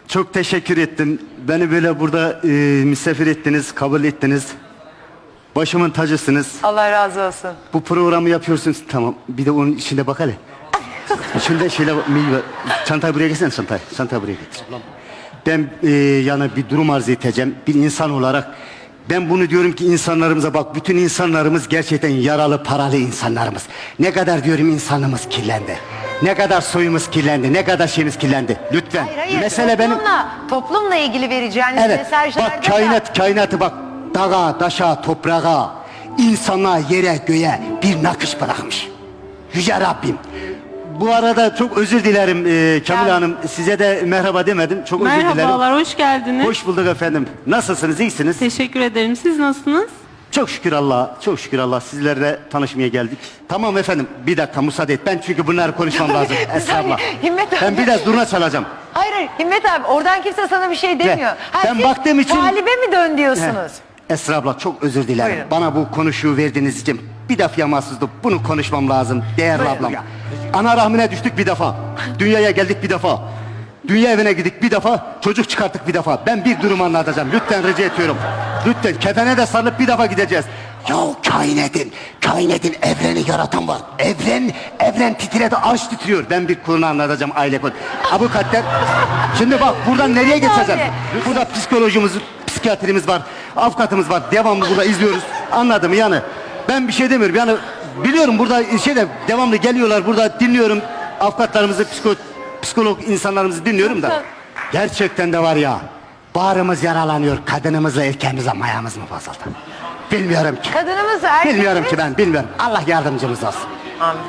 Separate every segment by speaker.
Speaker 1: Çok teşekkür ettim. Beni böyle burada misafir ettiniz, kabul ettiniz. Başımın tacısınız.
Speaker 2: Allah razı olsun.
Speaker 1: Bu programı yapıyorsunuz. Tamam. Bir de onun içinde bak hele. İçinde şeyler var. Çantayı buraya getirsene, çantayı. Çantayı buraya getir. Ben yani bir durum arz edeceğim. Bir insan olarak ben bunu diyorum ki insanlarımıza bak. Bütün insanlarımız gerçekten yaralı, paralı insanlarımız. Ne kadar diyorum insanımız kirlendi. Ne kadar soyumuz kirlendi. Ne kadar şeyimiz kirlendi. Lütfen.
Speaker 2: Hayır,
Speaker 1: Mesele
Speaker 2: toplumla ilgili vereceğiniz
Speaker 1: evet.
Speaker 2: mesajlarda
Speaker 1: Bak kainatı bak. Dağa, taşa, toprağa, insana, yere, göğe bir nakış bırakmış. Yüce Rabbim. Bu arada çok özür dilerim Kamil Hanım. Size de merhaba demedim. Çok özür dilerim.
Speaker 3: Merhabalar, hoş geldiniz.
Speaker 1: Hoş bulduk efendim. Nasılsınız? İyisiniz?
Speaker 3: Teşekkür ederim. Siz nasılsınız?
Speaker 1: Çok şükür Allah. Çok şükür Allah. Sizlerle tanışmaya geldik. Tamam efendim. Bir dakika müsaade et. Ben çünkü bunları konuşmam lazım. Estağfurullah.
Speaker 2: Himmet abi.
Speaker 1: Ben biraz durna çalacağım.
Speaker 2: Hayır Himmet abi, oradan kimse sana bir şey demiyor.
Speaker 1: Ben
Speaker 2: siz
Speaker 1: baktığım için...
Speaker 2: talibe mi dön diyorsunuz?
Speaker 1: Esra abla çok özür dilerim.
Speaker 2: Buyurun.
Speaker 1: Bana bu konuşuyu verdiğiniz için bir defa mahsustum. Bunu konuşmam lazım değerli
Speaker 2: Buyurun.
Speaker 1: ablam. Ana rahmine düştük bir defa. Dünyaya geldik bir defa. Dünya evine gittik bir defa. Çocuk çıkarttık bir defa. Ben bir durum anlatacağım. Lütfen rica ediyorum. Lütfen kefene de sarılıp bir defa gideceğiz. Ya kainatın evreni yaratan var. Evren titredi, arş titriyor. Ben bir konu anlatacağım aile konu. Abukatler. Şimdi bak buradan nereye geçeceğim? Burada psikolojimiz, psikiyatrimiz var. Avukatımız var. Devamlı burada izliyoruz. Anladım yani. Ben bir şey demiyorum. Yani biliyorum burada devamlı geliyorlar. Burada dinliyorum avukatlarımızı, psikolog insanlarımızı dinliyorum da. Gerçekten de var ya. Bağrımız yaralanıyor. Kadınımızla erkeğimizle mayamız mı bozuldu? Bilmiyorum ki.
Speaker 2: Kadınımız erkek
Speaker 1: Bilmiyorum ki ben bilmiyorum. Allah yardımcımız olsun.
Speaker 2: Amin.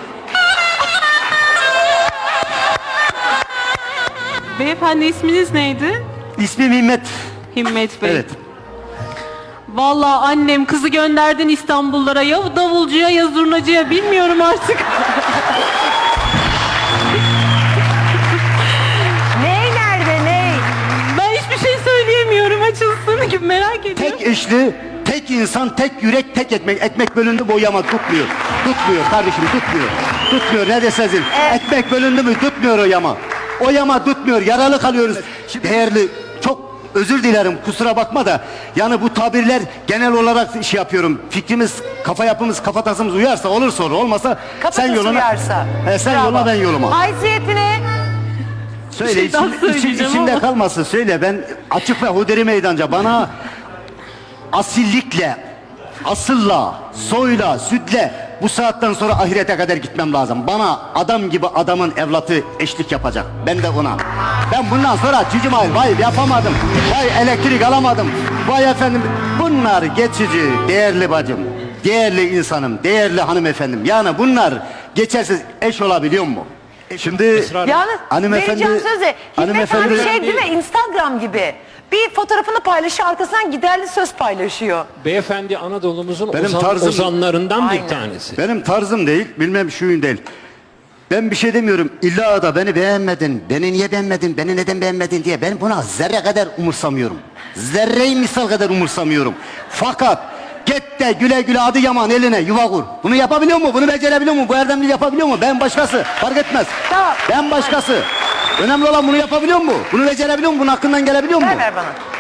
Speaker 3: Beyefendi, isminiz neydi?
Speaker 1: İsmim Himmet.
Speaker 3: Himmet Bey.
Speaker 1: Evet.
Speaker 3: Vallahi annem kızı gönderdin İstanbullara, ya davulcuya ya zurnacıya, bilmiyorum artık.
Speaker 2: Ney nerede ney?
Speaker 3: Ben hiçbir şey söyleyemiyorum, açılsın gibi merak ediyorum.
Speaker 1: Tek eşli, tek insan, tek yürek, tek ekmek. Ekmek bölündü bu yama tutmuyor. Tutmuyor kardeşim, tutmuyor. Tutmuyor ne desezin. Ekmek bölündü mü tutmuyor o yama. O yama tutmuyor, yaralı kalıyoruz. Değerli, çok özür dilerim kusura bakma da. Yani bu tabirler genel olarak şey yapıyorum. Fikrimiz, kafa yapımız, kafatasımız uyarsa olur sonra, olmasa
Speaker 2: Kafatası
Speaker 1: sen yoluna.
Speaker 2: uyarsa.
Speaker 1: Sen
Speaker 2: Bravo.
Speaker 1: yoluna ben yoluma.
Speaker 2: Haysiyetine.
Speaker 1: Söyle
Speaker 3: şey daha söyleyeceğim
Speaker 1: içinde
Speaker 3: ama.
Speaker 1: kalmasın söyle. Ben açık ve huderi meydanca bana asillikle, asılla, soyla, sütle bu saatten sonra ahirete kadar gitmem lazım. Bana adam gibi adamın evlatı eşlik yapacak. Ben de ona. Ben bundan sonra cicim vay yapamadım. Vay elektrik alamadım. Vay efendim bunlar geçici değerli bacım. Değerli insanım, değerli hanımefendim. Yani bunlar geçersiz eş olabiliyor mu? Şimdi
Speaker 2: Yalnız
Speaker 1: hanımefendi-
Speaker 2: vereceğim sözü. Himmet abi
Speaker 1: hanımefendi-
Speaker 2: şey değil mi, Instagram gibi. Bir fotoğrafını paylaşıyor, arkasından giderli söz paylaşıyor.
Speaker 4: Beyefendi Anadolu'muzun
Speaker 1: Benim tarzım-
Speaker 4: ozanlarından
Speaker 2: Aynen.
Speaker 4: bir tanesi.
Speaker 1: benim tarzım değil, bilmem şuyun değil. Ben bir şey demiyorum. İlla da beni beğenmedin, beni niye beğenmedin, beni neden beğenmedin diye ben buna zerre kadar umursamıyorum. Zerreyi misal kadar umursamıyorum. Fakat git de güle güle adı yaman eline yuva kur. Bunu yapabiliyor mu? Bunu becerebiliyor mu? Bu erdemli yapabiliyor mu? Ben başkası. Fark etmez.
Speaker 2: Tamam.
Speaker 1: Ben başkası. Önemli olan bunu yapabiliyor mu? Bunu becerebiliyor mu? Bunun hakkından gelebiliyor mu?
Speaker 2: Ver bana.